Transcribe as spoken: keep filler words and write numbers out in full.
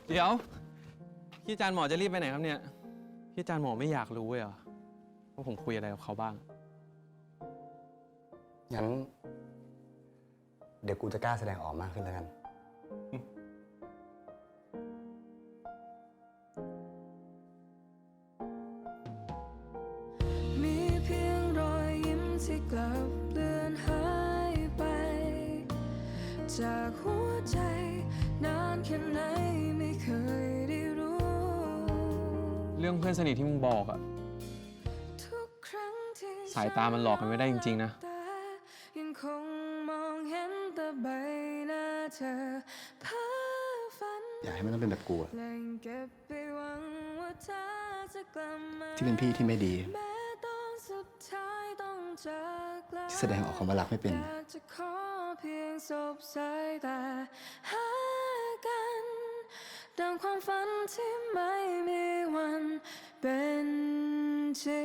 เดี๋ยวพี่อาจารย์หมอจะรีบไปไหนครับเนี่ยพี่อาจารย์หมอไม่อยากรู้เลยเหรอว่าผมคุยอะไรกับเขาบ้างงั้นเดี๋ยวกูจะกล้าแสดงออกมากขึ้นแล้วกันมีเพียงรอยยิ้มที่กลับเลือนหายไปจากหัวใจนานแค่ไหนไม่เคยได้รู้เรื่องเพื่อนสนิทที่มึงบอกอะทุกครั้งที่สายตามันหลอกกันไม่ได้จริงๆนะยังคงมองเห็นแต่ใบหน้าเธอเพ้อฝันอยากให้มันต้องเป็นแบบกูอะเก็บไปหวังว่าเธอจะกลับมาที่เป็นพี่ที่ไม่ดีแม้ตอนสุดท้ายต้องจากลาที่แสดงออกคำว่ารักไม่เป็นอยากจะขอเพียงสบสายตาหากันดังความฝันที่ไม่มีวันเป็นจริง